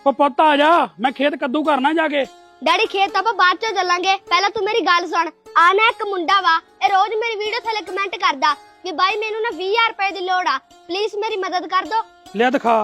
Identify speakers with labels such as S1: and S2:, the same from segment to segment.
S1: ਉਹ ਪੁੱਤ ਆ ਜਾ, ਮੈਂ ਖੇਤ ਕੱਦੂ ਕਰਨਾ ਜਾ ਕੇ।
S2: ਡੈਡੀ ਖੇਤ ਆਪਾਂ ਬਾਅਦ ਚ ਚੱਲਾਂਗੇ, ਪਹਿਲਾਂ ਤੂੰ ਮੇਰੀ ਗੱਲ ਸੁਣ। ਆ ਨਾ ਇੱਕ ਮੁੰਡਾ ਵਾ, ਇਹ ਰੋਜ਼ ਮੇਰੀ ਵੀਡੀਓ ਥੱਲੇ ਕਮੈਂਟ ਕਰਦਾ ਕਿ ਬਾਈ ਮੈਨੂੰ ਨਾ 20000 ਰੁਪਏ ਦੀ ਲੋੜ ਆ, ਪਲੀਜ਼ ਮੇਰੀ ਮਦਦ ਕਰ ਦੋ।
S1: ਲਿਆ ਦਿਖਾ।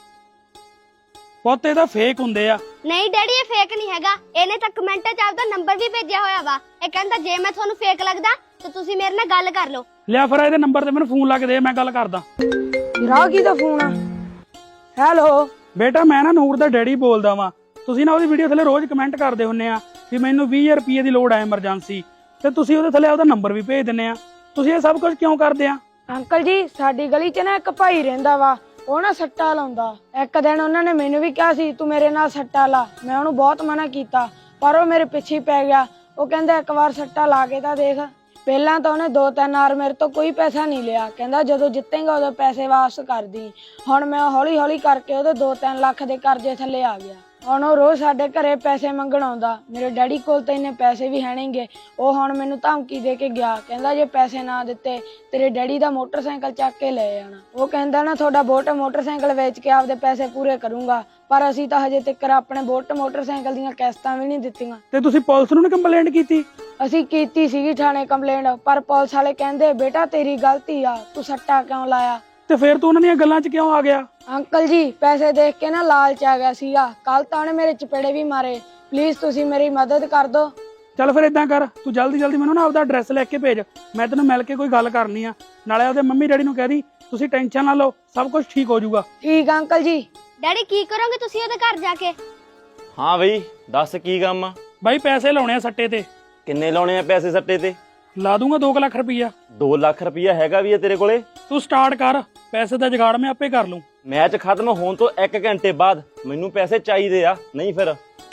S1: ਪੁੱਤ ਇਹ ਤਾਂ ਫੇਕ ਹੁੰਦੇ ਆ।
S2: ਨਹੀਂ ਡੈਡੀ ਇਹ ਫੇਕ ਨਹੀਂ ਹੈਗਾ, ਇਹਨੇ ਤਾਂ ਕਮੈਂਟਾਂ 'ਚ ਆਪਦਾ ਨੰਬਰ ਵੀ ਭੇਜਿਆ ਹੋਇਆ ਵਾ। ਇਹ ਕਹਿੰਦਾ ਜੇ ਮੈਂ ਤੁਹਾਨੂੰ ਫੇਕ ਲੱਗਦਾ ਤਾਂ ਤੁਸੀਂ ਮੇਰੇ ਨਾਲ ਗੱਲ ਕਰ ਲਓ।
S1: ਲਿਆ ਫਿਰ ਇਹਦੇ ਨੰਬਰ ਤੇ ਮੈਨੂੰ ਫੋਨ ਲਾ ਕੇ ਦੇ, ਮੈਂ ਗੱਲ ਕਰਦਾ।
S3: ਰਾਗੀ ਦਾ ਫੋਨ ਆ। ਹੈਲੋ
S1: ਬੇਟਾ ਮੈਂ ਨਾ ਨੂਰ ਦਾ ਡੈਡੀ ਬੋਲਦਾ ਵਾਂ। ਤੁਸੀਂ ਨਾ ਉਹਦੀ ਵੀਡੀਓ ਥੱਲੇ ਰੋਜ਼ ਕਮੈਂਟ ਕਰਦੇ ਹੁੰਨੇ ਆ ਵੀ ਮੈਨੂੰ 20000 ਰੁਪਏ ਦੀ ਲੋੜ ਆ ਐਮਰਜੈਂਸੀ, ਤੇ ਤੁਸੀਂ ਉਹਦੇ ਥੱਲੇ ਉਹਦਾ ਨੰਬਰ ਵੀ ਭੇਜ ਦਿੰਨੇ ਆ। ਤੁਸੀਂ ਇਹ ਸਭ ਕੁਝ ਕਿਉਂ ਕਰਦੇ ਆ?
S3: ਅੰਕਲ ਜੀ ਸਾਡੀ ਗਲੀ 'ਚ ਨਾ ਇੱਕ ਭਾਈ ਰਹਿੰਦਾ ਵਾ, ਉਹ ਨਾ ਸੱਟਾ ਲਾਉਂਦਾ। ਇੱਕ ਦਿਨ ਉਹਨਾਂ ਨੇ ਮੈਨੂੰ ਵੀ ਕਿਹਾ ਸੀ ਤੂੰ ਮੇਰੇ ਨਾਲ ਸੱਟਾ ਲਾ, ਮੈਂ ਉਹਨੂੰ ਬਹੁਤ ਮਨਾ ਕੀਤਾ ਪਰ ਉਹ ਮੇਰੇ ਪਿੱਛੇ ਪੈ ਗਿਆ। ਉਹ ਕਹਿੰਦਾ ਇੱਕ ਵਾਰ ਸੱਟਾ ਲਾ ਕੇ ਤਾਂ ਦੇਖ। ਪਹਿਲਾਂ ਤਾਂ ਉਹਨੇ 2-3 ਵਾਰ ਮੇਰੇ ਤੋਂ ਕੋਈ ਪੈਸਾ ਨਹੀਂ ਲਿਆ, ਕਹਿੰਦਾ ਜਦੋਂ ਜਿੱਤੇਗਾ ਉਦੋਂ ਪੈਸੇ ਵਾਪਸ ਕਰ ਦੀ। ਹੁਣ ਮੈਂ ਹੌਲੀ ਹੌਲੀ ਕਰਕੇ ਉਹਦੇ 2-3 ਲੱਖ ਦੇ ਕਰਜ਼ੇ ਥੱਲੇ ਆ ਗਿਆ। ਹੁਣ ਉਹ ਰੋਜ਼ ਸਾਡੇ ਘਰੇ ਪੈਸੇ ਮੰਗਣ ਆਉਂਦਾ। ਮੇਰੇ ਡੈਡੀ ਕੋਲ ਤਾਂ ਇੰਨੇ ਪੈਸੇ ਵੀ ਹੈ ਨਹੀਂਗੇ। ਉਹ ਹੁਣ ਮੈਨੂੰ ਧਮਕੀ ਦੇ ਕੇ ਗਿਆ, ਕਹਿੰਦਾ ਜੇ ਪੈਸੇ ਨਾ ਦਿੱਤੇ ਤੇਰੇ ਡੈਡੀ ਦਾ ਮੋਟਰਸਾਈਕਲ ਚੱਕ ਕੇ ਲੈ ਜਾਣਾ। ਉਹ ਕਹਿੰਦਾ ਨਾ ਤੁਹਾਡਾ ਬੋਟ ਮੋਟਰਸਾਈਕਲ ਵੇਚ ਕੇ ਆਪਦੇ ਪੈਸੇ ਪੂਰੇ ਕਰੂੰਗਾ, ਪਰ ਅਸੀਂ ਤਾਂ ਹਜੇ ਤੱਕ ਆਪਣੇ ਬੋਟ ਮੋਟਰਸਾਈਕਲ ਦੀਆਂ ਕਿਸ਼ਤਾਂ ਵੀ ਨਹੀਂ ਦਿੱਤੀਆਂ।
S1: ਤੇ ਤੁਸੀਂ ਪੁਲਿਸ ਨੂੰ ਕੰਪਲੇਂਟ ਕੀਤੀ?
S3: ਅਸੀਂ ਕੀਤੀ ਸੀਗੀ ਥਾਣੇ ਕੰਪਲੇਂਟ, ਪਰ ਪੁਲਿਸ ਵਾਲੇ ਕਹਿੰਦੇ ਬੇਟਾ ਤੇਰੀ ਗਲਤੀ ਆ, ਤੂੰ ਸੱਟਾ ਕਿਉਂ ਲਾਇਆ।
S1: ਤੇ ਫਿਰ ਤੂੰ ਉਹਨਾਂ ਦੀਆਂ ਗੱਲਾਂ 'ਚ ਕਿਉਂ ਆ ਗਿਆ?
S3: ਅੰਕਲ ਜੀ ਪੈਸੇ ਦੇਖ ਕੇ ਨਾ ਲਾਲਚ ਆ ਗਿਆ ਸੀਗਾ। ਕੱਲ ਤਾਂ ਉਹਨੇ ਮੇਰੇ ਚਪੇੜੇ ਵੀ ਮਾਰੇ। ਪਲੀਜ਼ ਤੁਸੀਂ ਮੇਰੀ ਮਦਦ ਕਰ ਦਿਓ।
S1: ਚੱਲ ਫਿਰ ਏਦਾਂ ਕਰ, ਤੂੰ ਜਲਦੀ ਜਲਦੀ ਮੈਨੂੰ ਨਾ ਆਪਦਾ ਐਡਰੈਸ ਲੈ ਕੇ ਭੇਜ, ਮੈਂ ਤੈਨੂੰ ਮਿਲ ਕੇ ਕੋਈ ਗੱਲ ਕਰਨੀ ਆ। ਨਾਲੇ ਉਹਦੇ ਮੰਮੀ ਡੈਡੀ ਨੂੰ ਕਹਿ ਦੀ ਤੁਸੀਂ ਟੈਨਸ਼ਨ ਨਾ ਲਓ, ਸਭ ਕੁਝ ਠੀਕ ਹੋ ਜਾਊਗਾ।
S3: ਠੀਕ ਆ ਅੰਕਲ ਜੀ।
S2: ਡੈਡੀ ਕੀ ਕਰੋਗੇ ਤੁਸੀਂ ਉਹਦੇ ਘਰ ਜਾ ਕੇ?
S4: ਹਾਂ ਬਈ ਦੱਸ ਕੀ ਕੰਮ ਆ?
S1: ਬਾਈ ਪੈਸੇ ਲਾਉਣੇ ਆ ਸੱਟੇ ਤੇ।
S4: ਕਿੰਨੇ ਲਾਉਣੇ ਆ ਪੈਸੇ ਸੱਟੇ ਤੇ?
S1: ਲਾ ਦੂੰਗਾ 2 ਲੱਖ ਰੁਪਈਆ।
S4: 2 ਲੱਖ ਰੁਪਈਆ ਹੈਗਾ ਵੀ ਆ ਤੇਰੇ ਕੋਲੇ?
S1: ਤੂੰ ਸਟਾਰਟ ਕਰ, ਪੈਸੇ ਦਾ ਜੁਗਾੜ ਮੈਂ ਆਪੇ ਕਰ ਲੂੰ।
S4: ਮੈਚ ਖਤਮ ਹੋਣ ਤੋਂ 1 ਘੰਟੇ ਬਾਅਦ ਮੈਨੂੰ ਪੈਸੇ ਚਾਹੀਦੇ ਆ, ਨਹੀਂ ਫਿਰ।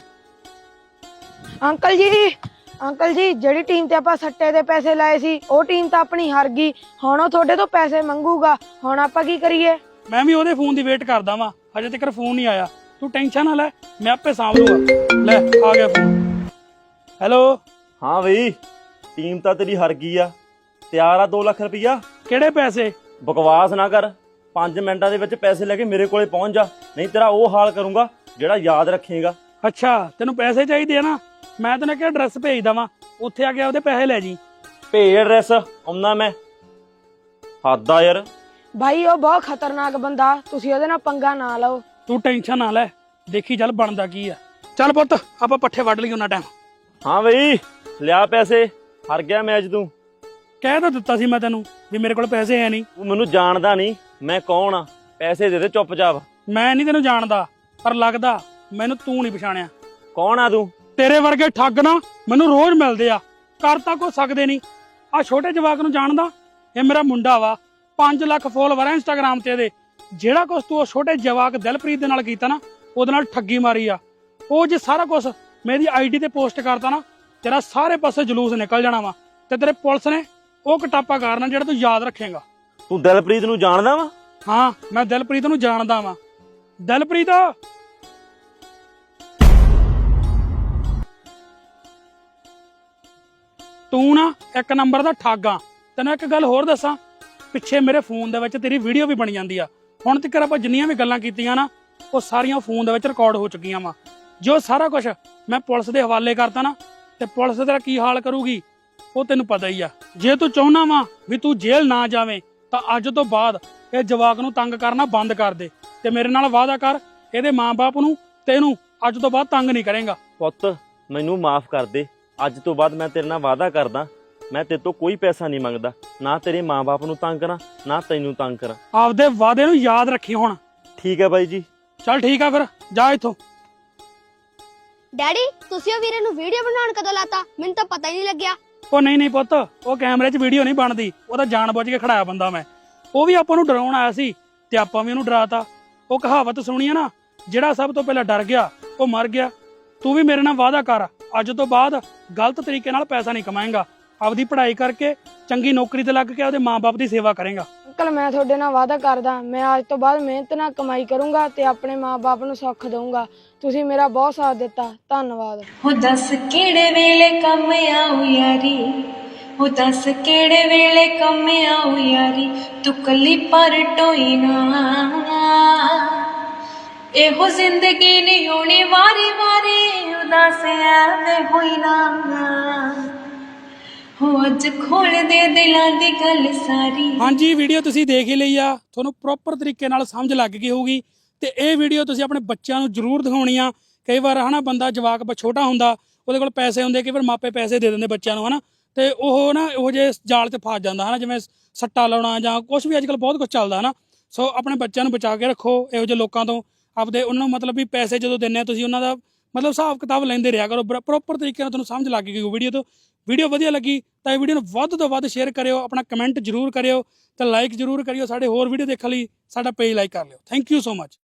S3: ਅੰਕਲ ਜੀ ਜਿਹੜੀ ਟੀਮ ਤੇ ਆਪਾਂ ਸੱਟੇ ਦੇ ਪੈਸੇ ਲਾਏ ਸੀ ਉਹ ਟੀਮ ਤਾਂ ਆਪਣੀ ਹਾਰ ਗਈ। ਹੁਣ ਉਹ ਤੁਹਾਡੇ ਤੋਂ ਪੈਸੇ ਮੰਗੂਗਾ, ਹੁਣ ਆਪਾਂ ਕੀ ਕਰੀਏ?
S1: ਮੈਂ ਵੀ ਉਹਦੇ ਫੋਨ ਦੀ ਵੇਟ ਕਰਦਾ ਵਾਂ, ਹਜੇ ਤੱਕ ਫੋਨ ਨਹੀਂ ਆਇਆ। ਤੂੰ ਟੈਨਸ਼ਨ ਨਾ ਲੈ, ਮੈਂ ਆਪੇ ਸਾਂਭ ਲੂੰਗਾ। ਲੈ ਆ ਗਿਆ ਫੋਨ। ਹੈਲੋ।
S4: ਹਾਂ ਬਈ ਟੀਮ ਤਾਂ ਤੇਰੀ ਹਾਰ ਗਈ ਆ, ਤਿਆਰ ਆ 2 ਲੱਖ ਰੁਪਈਆ?
S1: ਕਿਹੜੇ ਪੈਸੇ?
S4: ਬਕਵਾਸ ਨਾ ਕਰ, 5 ਮਿੰਟਾਂ ਦੇ ਵਿੱਚ ਪੈਸੇ ਲੈ ਕੇ ਮੇਰੇ ਕੋਲੇ ਪਹੁੰਚ ਜਾ, ਨਹੀਂ ਤੇਰਾ ਉਹ ਹਾਲ ਕਰੂੰਗਾ ਜਿਹੜਾ ਯਾਦ ਰੱਖੇਗਾ।
S1: ਅੱਛਾ ਤੈਨੂੰ ਪੈਸੇ ਚਾਹੀਦੇ ਆ ਨਾ, ਮੈਂ ਤੈਨੂੰ ਕਿਹਾ ਐਡਰੈਸ ਭੇਜ ਦਵਾਂ, ਉੱਥੇ ਆ ਕੇ ਉਹਦੇ ਪੈਸੇ ਲੈ ਜੀ।
S4: ਭੇਜ ਐਡਰੈਸ, ਆਉਣਾ ਮੈਂ। ਹੱਦ ਆ ਯਾਰ।
S3: ਭਾਈ ਉਹ ਬਹੁਤ ਖਤਰਨਾਕ ਬੰਦਾ, ਤੁਸੀਂ ਉਹਦੇ ਨਾਲ ਪੰਗਾ ਨਾ ਲਓ।
S1: ਤੂੰ ਟੈਨਸ਼ਨ ਨਾ ਲੈ, ਦੇਖੀ ਚੱਲ ਬਣਦਾ ਕੀ ਆ। ਚੱਲ ਪੁੱਤ ਆਪਾਂ ਪੱਠੇ ਵੱਢ ਲਈ ਉਹਨਾਂ ਟਾਈਮ।
S4: ਹਾਂ ਬਈ ਲਿਆ ਪੈਸੇ, ਹਾਰ ਗਿਆ ਮੈਚ ਤੂੰ।
S1: ਕਹਿ ਤਾਂ ਦਿੱਤਾ ਸੀ ਮੈਂ ਤੈਨੂੰ ਵੀ ਮੇਰੇ ਕੋਲ ਪੈਸੇ ਹੈ ਨਹੀਂ।
S4: ਤੂੰ ਮੈਨੂੰ ਜਾਣਦਾ ਨਹੀਂ, ਮੈਂ ਕੌਣ ਆ? ਪੈਸੇ ਦੇ ਦੇ ਚੁੱਪਚਾਪ।
S1: ਮੈਂ ਨਹੀਂ ਤੈਨੂੰ ਜਾਣਦਾ, ਪਰ ਲੱਗਦਾ ਮੈਨੂੰ ਤੂੰ ਨਹੀਂ ਪਛਾਣਿਆ।
S4: ਕੌਣ ਆ ਤੂੰ?
S1: ਤੇਰੇ ਵਰਗੇ ਠੱਗ ਨਾ ਮੈਨੂੰ ਰੋਜ਼ ਮਿਲਦੇ ਆ, ਕਰ ਤਾਂ ਕੁਛ ਸਕਦੇ ਨਹੀਂ। ਆ ਛੋਟੇ ਜਵਾਕ ਨੂੰ ਜਾਣਦਾ, ਇਹ ਮੇਰਾ ਮੁੰਡਾ ਵਾ, 5 ਲੱਖ ਫੋਲੋਵਰ ਆ ਇੰਸਟਾਗ੍ਰਾਮ ਤੇ ਇਹਦੇ। ਜਿਹੜਾ ਕੁਛ ਤੂੰ ਉਹ ਛੋਟੇ ਜਵਾਕ ਦਿਲਪ੍ਰੀਤ ਦੇ ਨਾਲ ਕੀਤਾ ਨਾ, ਉਹਦੇ ਨਾਲ ਠੱਗੀ ਮਾਰੀ ਆ। ਉਹ ਜੇ ਸਾਰਾ ਕੁਛ ਮੇਰੀ ਆਈਡੀ ਤੇ ਪੋਸਟ ਕਰਤਾ ਨਾ, ਤੇਰਾ ਸਾਰੇ ਪਾਸੇ ਜਲੂਸ ਨਿਕਲ ਜਾਣਾ ਵਾ, ਤੇ ਤੇਰੇ ਪੁਲਿਸ ਨੇ ਉਹ ਕਟਾਪਾ ਕਰਨਾ ਜਿਹੜਾ ਤੂੰ ਯਾਦ ਰੱਖੇਗਾ।
S4: ਤੂੰ ਦਿਲਪ੍ਰੀਤ ਨੂੰ ਜਾਣਦਾ ਵਾ?
S1: ਹਾਂ ਮੈਂ ਦਿਲਪ੍ਰੀਤ ਨੂੰ ਜਾਣਦਾ ਵਾਂ। ਦਿਲਪ੍ਰੀਤ ਤੂੰ ਨਾ 1 ਨੰਬਰ ਦਾ ਠੱਗ ਆ। ਤੈਨੂੰ ਇੱਕ ਗੱਲ ਹੋਰ ਦੱਸਾਂ, ਪਿੱਛੇ ਮੇਰੇ ਫੋਨ ਦੇ ਵਿੱਚ ਤੇਰੀ ਵੀਡੀਓ ਵੀ ਬਣ ਜਾਂਦੀ ਆ। ਹੁਣ ਤੱਕ ਆਪਾਂ ਜਿੰਨੀਆਂ ਵੀ ਗੱਲਾਂ ਕੀਤੀਆਂ ਨਾ, ਉਹ ਸਾਰੀਆਂ ਫੋਨ ਦੇ ਵਿੱਚ ਰਿਕਾਰਡ ਹੋ ਚੁੱਕੀਆਂ ਵਾ। ਜੋ ਸਾਰਾ ਕੁਝ ਮੈਂ ਪੁਲਿਸ ਦੇ ਹਵਾਲੇ ਕਰਤਾ ਨਾ, ਤੇ ਪੁਲਿਸ ਤੇਰਾ ਕੀ ਹਾਲ ਕਰੂਗੀ ਉਹ ਤੈਨੂੰ ਪਤਾ ਹੀ ਆ। ਜੇ ਤੂੰ ਚਾਹੁੰਦਾ ਵਾ ਵੀ ਤੂੰ ਜੇਲ੍ਹ ਨਾ ਜਾਵੇਂ, ਤਾਂ ਅੱਜ ਤੋਂ ਬਾਅਦ ਇਹ ਜਵਾਕ ਨੂੰ ਤੰਗ ਕਰਨਾ ਬੰਦ ਕਰ ਦੇ, ਤੇ ਮੇਰੇ ਨਾਲ ਵਾਅਦਾ ਕਰ ਇਹਦੇ ਮਾਂ-ਬਾਪ ਨੂੰ ਤੇ ਇਹਨੂੰ ਅੱਜ ਤੋਂ ਬਾਅਦ ਤੰਗ ਨਹੀਂ ਕਰੇਗਾ।
S4: ਪੁੱਤ ਮੈਨੂੰ ਮਾਫ ਕਰ ਦੇ, ਅੱਜ ਤੋਂ ਬਾਅਦ ਮੈਂ ਤੇਰੇ ਨਾਲ ਵਾਅਦਾ ਕਰਦਾ, ਮੈਂ ਤੇਰੇ ਤੋਂ ਕੋਈ ਪੈਸਾ ਨਹੀਂ ਮੰਗਦਾ, ਨਾ ਤੇਰੇ ਮਾਂ-ਬਾਪ ਨੂੰ ਤੰਗ ਕਰਾਂ ਨਾ ਤੈਨੂੰ ਤੰਗ ਕਰਾਂ।
S1: ਆਪਦੇ ਵਾਅਦੇ ਨੂੰ ਯਾਦ ਰੱਖੀ ਹੁਣ।
S4: ਠੀਕ ਹੈ ਬਾਈ ਜੀ।
S1: ਚੱਲ ਠੀਕ ਆ, ਫਿਰ ਜਾ ਇੱਥੋਂ।
S2: ਡੈਡੀ ਤੁਸੀਂ ਉਹ ਵੀਰੇ ਨੂੰ ਵੀਡੀਓ ਬਣਾਉਣ ਕਦੋਂ ਲਾਤਾ? ਮੈਨੂੰ ਤਾਂ ਪਤਾ ਹੀ ਨਹੀਂ ਲੱਗਿਆ।
S1: ਉਹ ਨਹੀਂ ਪੁੱਤ, ਉਹ ਕੈਮਰੇ 'ਚ ਵੀਡੀਓ ਨਹੀਂ ਬਣਦੀ, ਉਹ ਤਾਂ ਜਾਣ ਬੁੱਝ ਕੇ ਖੜਾਇਆ ਬੰਦਾ ਮੈਂ। ਉਹ ਵੀ ਆਪਾਂ ਨੂੰ ਡਰਾਉਣ ਆਇਆ ਸੀ ਤੇ ਆਪਾਂ ਵੀ ਉਹਨੂੰ ਡਰਾਤਾ। ਉਹ ਕਹਾਵਤ ਸੁਣੀ ਆ ਨਾ, ਜਿਹੜਾ ਸਭ ਤੋਂ ਪਹਿਲਾਂ ਡਰ ਗਿਆ ਉਹ ਮਰ ਗਿਆ। ਤੂੰ ਵੀ ਮੇਰੇ ਨਾਲ ਵਾਅਦਾ ਕਰ, ਅੱਜ ਤੋਂ ਬਾਅਦ ਗਲਤ ਤਰੀਕੇ ਨਾਲ ਪੈਸਾ ਨਹੀਂ ਕਮਾਏਗਾ। ਆਪਦੀ ਪੜ੍ਹਾਈ ਕਰਕੇ ਚੰਗੀ ਨੌਕਰੀ ਤੇ ਲੱਗ ਕੇ ਉਹਦੇ ਮਾਂ-ਬਾਪ ਦੀ ਸੇਵਾ ਕਰੇਗਾ।
S3: ਅੰਕਲ ਮੈਂ ਤੁਹਾਡੇ ਨਾਲ ਵਾਅਦਾ ਕਰਦਾ, ਮੈਂ ਅੱਜ ਤੋਂ ਬਾਅਦ ਮਿਹਨਤ ਨਾਲ ਕਮਾਈ ਕਰੂੰਗਾ ਤੇ ਆਪਣੇ ਮਾਂ-ਬਾਪ ਨੂੰ ਸੁੱਖ ਦਊਂਗਾ। ਤੁਸੀਂ ਮੇਰਾ ਬਹੁਤ ਸਾਥ ਦਿੱਤਾ, ਧੰਨਵਾਦ।
S5: ਹੋ ਦੱਸ ਕਿਹੜੇ ਵੇਲੇ ਕੰਮ ਆਉ ਯਾਰੀ, ਹੋ ਦੱਸ ਕਿਹੜੇ ਵੇਲੇ ਕੰਮ ਆਉ ਯਾਰੀ, ਤੂੰ ਕੱਲੀ ਪਰ ਟੋਈ ਨਾ, ਇਹੋ ਜ਼ਿੰਦਗੀ ਨਹੀਂ ਹੋਣੀ ਵਾਰੀ ਵਾਰੀ ਉਦਾਸ ਐਵੇਂ ਹੋਈ ਨਾ ਹੋ ਅੱਜ ਖੋਲ ਦੇ ਦਿਲਾਂ ਦੀ ਗੱਲ ਸਾਰੀ।
S1: ਹਾਂਜੀ ਵੀਡੀਓ ਤੁਸੀਂ ਦੇਖ ਹੀ ਲਈ ਆ, ਤੁਹਾਨੂੰ ਪ੍ਰੋਪਰ ਤਰੀਕੇ ਨਾਲ ਸਮਝ ਲੱਗ ਗਈ ਹੋਊਗੀ। ਤੇ ਇਹ ਵੀਡੀਓ ਤੁਸੀਂ ਆਪਣੇ ਬੱਚਿਆਂ ਨੂੰ ਜ਼ਰੂਰ ਦਿਖਾਉਣੀ ਆ। ਕਈ ਵਾਰ ਹਨਾ ਬੰਦਾ ਜਵਾਕ ਛੋਟਾ ਹੁੰਦਾ, ਉਹਦੇ ਕੋਲ ਪੈਸੇ ਹੁੰਦੇ, ਕਈ ਵਾਰ ਮਾਪੇ ਪੈਸੇ ਦੇ ਦਿੰਦੇ ਬੱਚਿਆਂ ਨੂੰ ਹਨਾ, ਤੇ ਉਹ ਨਾ ਇਹੋ ਜਿਹੇ ਜਾਲ 'ਚ ਫਸ ਜਾਂਦਾ ਹਨਾ, ਜਿਵੇਂ ਸੱਟਾ ਲਾਉਣਾ ਜਾਂ ਕੁਝ ਵੀ ਅੱਜ ਕੱਲ੍ਹ ਬਹੁਤ ਕੁਝ ਚੱਲਦਾ ਹਨਾ। ਸੋ ਆਪਣੇ ਬੱਚਿਆਂ ਨੂੰ ਬਚਾ ਕੇ ਰੱਖੋ ਇਹੋ ਜਿਹੇ ਲੋਕਾਂ ਤੋਂ। ਆਪਦੇ ਉਹਨਾਂ ਨੂੰ ਮਤਲਬ ਵੀ ਪੈਸੇ ਜਦੋਂ ਦਿੰਦੇ ਆ ਤੁਸੀਂ ਉਹਨਾਂ ਦਾ ਮਤਲਬ ਹਿਸਾਬ ਕਿਤਾਬ ਲੈਂਦੇ ਰਿਹਾ ਕਰੋ ਪ੍ਰੋਪਰ ਤਰੀਕੇ ਨਾਲ। ਤੁਹਾਨੂੰ ਸਮਝ ਲੱਗ ਗਈ ਵੀਡੀਓ ਤੋਂ। ਵੀਡੀਓ ਵਧੀਆ ਲੱਗੀ ਤਾਂ ਇਹ ਵੀਡੀਓ ਨੂੰ ਵੱਧ ਤੋਂ ਵੱਧ ਸ਼ੇਅਰ ਕਰਿਓ, ਆਪਣਾ ਕਮੈਂਟ ਜ਼ਰੂਰ ਕਰਿਓ ਤੇ ਲਾਈਕ ਜ਼ਰੂਰ ਕਰਿਓ। ਸਾਡੇ ਹੋਰ ਵੀਡੀਓ ਦੇਖਣ ਲਈ ਸਾਡਾ ਪੇਜ ਲਾਈਕ ਕਰ ਲਿਓ। Thank you so much.